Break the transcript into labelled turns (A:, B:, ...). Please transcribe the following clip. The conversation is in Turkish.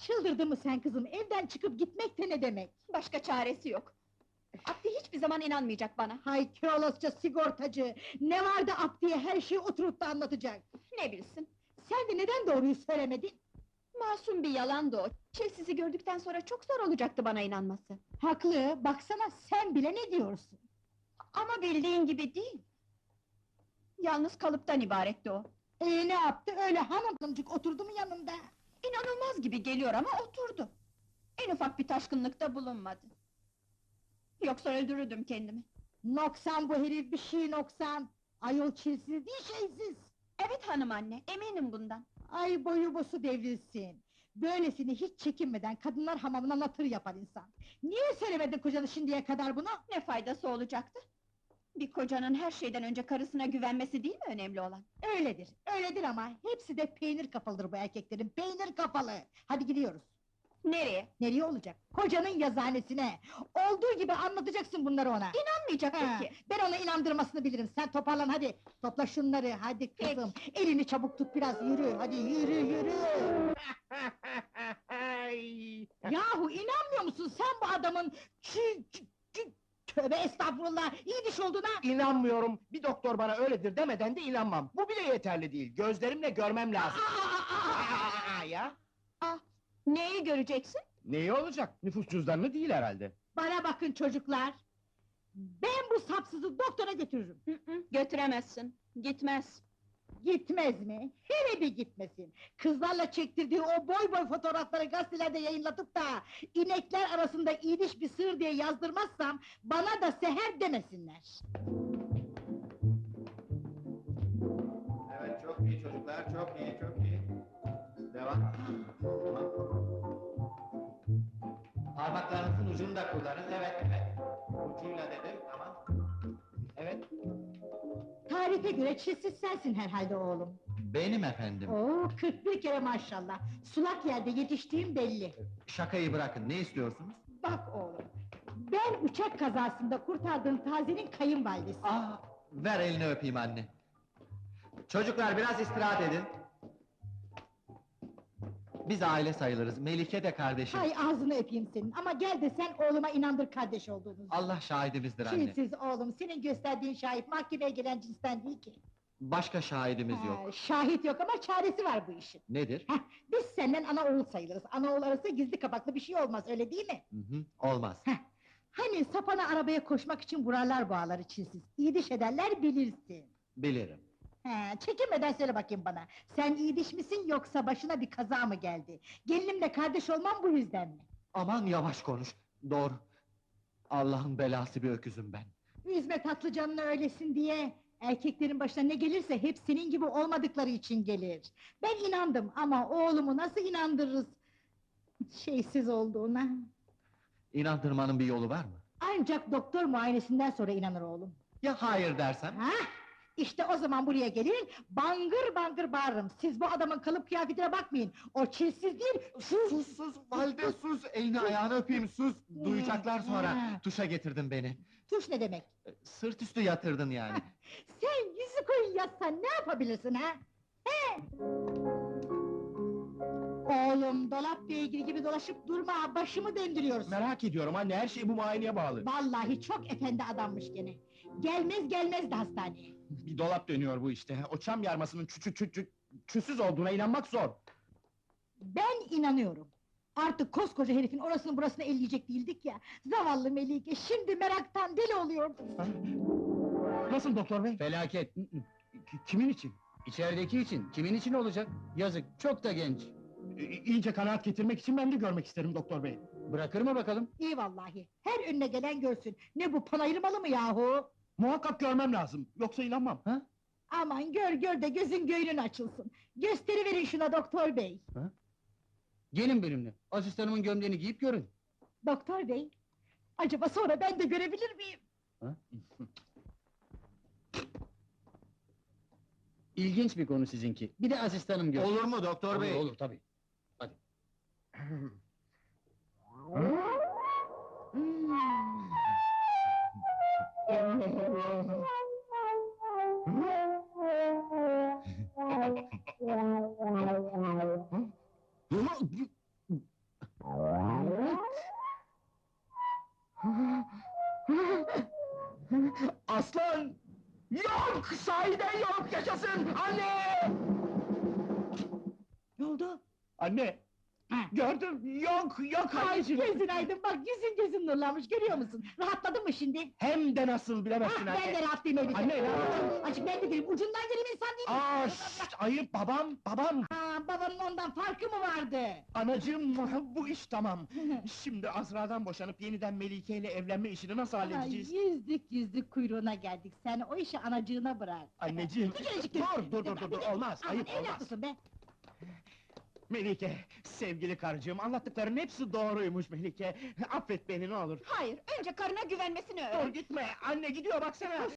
A: Çıldırdın mı sen kızım? Evden çıkıp gitmek de ne demek?
B: Başka çaresi yok. Abdi hiçbir zaman inanmayacak bana.
A: Hay Kiolosça sigortacı! Ne vardı Abdi'ye her şeyi oturup da anlatacak?
B: Ne bilsin?
A: Sen de neden doğruyu söylemedin?
B: Masum bir yalandı o. Sizi gördükten sonra çok zor olacaktı bana inanması.
A: Haklı, baksana sen bile ne diyorsun?
B: Ama bildiğin gibi değil. Yalnız kalıptan ibaretti o.
A: Ne yaptı? Öyle hanımcık oturdu mu yanında?
B: İnanılmaz gibi geliyor ama oturdu. En ufak bir taşkınlıkta bulunmadı. Yoksa öldürürdüm kendimi.
A: Noksan bu herif, bir şey noksan! Ayol çilsiz değil, şeysiz!
B: Evet hanım anne, eminim bundan.
A: Ay boyu bosu devrilsin! Böylesini hiç çekinmeden kadınlar hamamına natır yapar insan! Niye söylemedin kocanı şimdiye kadar bunu?
B: Ne faydası olacaktı? Bir kocanın her şeyden önce karısına güvenmesi değil mi önemli olan?
A: Öyledir, öyledir ama hepsi de peynir kafalıdır bu erkeklerin, peynir kafalı! Hadi gidiyoruz!
B: Nereye?
A: Nereye olacak? Kocanın yazıhanesine! Olduğu gibi anlatacaksın bunları ona!
B: İnanmayacak
A: Ha,
B: peki!
A: ben ona inandırmasını bilirim, sen toparlan hadi! Topla şunları, hadi kızım! Elini çabuk tut biraz, yürü, hadi yürü, yürü! Yahu inanmıyor musun sen bu adamın... Tövbe estağfurullah, iyi diş olduğuna!
C: İnanmıyorum, bir doktor bana öyledir demeden de inanmam. Bu bile yeterli değil, gözlerimle görmem lazım. Ya?
B: Ah, neyi göreceksin?
C: Neyi olacak? Nüfus cüzdanını değil herhalde.
A: Bana bakın çocuklar! Ben bu sapsızı doktora götürürüm!
B: Götüremezsin, gitmez.
A: Gitmez mi? Hele bir gitmesin! Kızlarla çektirdiği o boy boy fotoğrafları gazetelerde yayınlatıp da... ...inekler arasında iyiliş bir sığır diye yazdırmazsam... ...bana da seher demesinler!
D: Evet, çok iyi çocuklar, çok iyi, çok iyi. Devam. Tamam. Parmaklarınızın ucunu da kullanın, evet, evet. Ucuyla dedim, tamam. Evet.
A: Tarife göre çilsiz sensin herhalde oğlum!
D: Benim efendim.
A: Oo, 41 kere maşallah! Sulak yerde yetiştiğim belli!
D: Şakayı bırakın, ne istiyorsunuz?
A: Bak oğlum! Ben uçak kazasında kurtardığım Taze'nin kayınvalidesi!
D: Ver elini öpeyim anne. Çocuklar biraz istirahat edin. Biz aile sayılırız, Melike de kardeşim.
A: Hay ağzını öpeyim senin, ama gel de sen oğluma inandır kardeş olduğunuzu!
D: Allah şahidimizdir anne.
A: Çilsiz oğlum, senin gösterdiğin şahit mahkemeye gelen cinsten değil ki!
D: Başka şahidimiz yok.
A: Şahit yok ama çaresi var bu işin!
D: Nedir?
A: Biz senden ana oğul sayılırız, ana oğul arası gizli kapaklı bir şey olmaz, öyle değil mi?
D: Olmaz.
A: Hani sapana arabaya koşmak için vurarlar bu ağları çilsiz, iyi diş ederler bilirsin!
D: Bilirim.
A: Çekinmeden söyle bakayım bana, sen iyi diş misin yoksa başına bir kaza mı geldi? Gelinimle kardeş olmam bu yüzden mi?
D: Aman yavaş konuş, doğru. Allah'ın belası bir öküzüm ben.
A: Üzme tatlı canını öylesin diye! Erkeklerin başına ne gelirse hep senin gibi olmadıkları için gelir! Ben inandım ama oğlumu nasıl inandırırız? Şeysiz olduğuna!
D: İnandırmanın bir yolu var mı?
A: Ancak doktor muayenesinden sonra inanır oğlum!
D: Ya hayır dersem?
A: İşte o zaman buraya gelir, bangır bangır bağırırım! Siz bu adamın kalıp kıyafetine bakmayın! O çilsiz değil,
D: Sus, valide sus! Elini ayağını öpeyim, sus! Duyacaklar sonra, tuşa getirdin beni!
A: Tuş ne demek?
D: Sırt üstü yatırdın yani!
A: Sen yüzü koyun yatsan ne yapabilirsin ha? Oğlum, dolap beygiri gibi dolaşıp durma, başımı döndürüyorsun!
C: Merak ediyorum anne, her şey bu muayeneye bağlı.
A: Vallahi çok efendi adammış gene! Gelmez gelmez de hastaneye!
C: Bir dolap dönüyor bu işte, o çam yarmasının çüsüz olduğuna inanmak zor.
A: Ben inanıyorum! Artık koskoca herifin orasını burasını elleyecek değildik ya! Zavallı Melike, şimdi meraktan deli oluyor!
C: Nasıl doktor bey?
E: Felaket!
C: Kimin için?
E: İçerideki için, kimin için olacak? Yazık, çok da genç!
C: İyice kanaat getirmek için ben de görmek isterim doktor bey.
E: Bırakır mı bakalım?
A: İyi vallahi, her önüne gelen görsün! Ne bu, panayır malı mı yahu?
C: Muhakkak görmem lazım, yoksa inanmam.
A: Aman gör gör de gözün göğünün açılsın! Gösteriverin şuna doktor bey!
E: Gelin benimle, asistanımın gömleğini giyip görün!
A: Doktor bey, acaba sonra ben de görebilir miyim?
E: İlginç bir konu sizinki, bir de asistanım görsün!
D: Olur mu doktor bey?
E: Olur, tabii! Hadi!
C: Aslan! Yok! Sahiden yok! Yaşasın! Anne!
A: Ne oldu?
C: Anne!
A: Ha.
C: Gördüm! Yok! Yok
A: Ay
C: anneciğim!
A: gözün aydın bak, gözün nurlanmış, görüyor musun? Rahatladın mı şimdi?
C: Hem de nasıl bilemezsin
A: Ah, ben de
C: anne!
A: rahatlayayım elbise.
C: Anne, ne yaptın?
A: Açık ben de değilim, ucundan geleyim insan değil mi?
C: Aa, şşt, ayıp babam! Babam!
A: Aa, babanın ondan farkı mı vardı?
C: Anacığım, bu iş tamam! Şimdi Azra'dan boşanıp yeniden Melike ile evlenme işini nasıl
A: Ay,
C: halledeceğiz?
A: yüzlük kuyruğuna geldik, sen o işi anacığına bırak.
C: Anneciğim!
A: Bir kerecik
C: Dur, olmaz,
A: Aman,
C: ayıp olmaz!
A: evlatlısın be!
C: Melike, sevgili karıcığım, anlattıkların hepsi doğruymuş Melike! Affet beni ne olur!
B: Hayır, önce karına güvenmesini
C: Dur
B: öğren.
C: gitme, anne gidiyor baksana!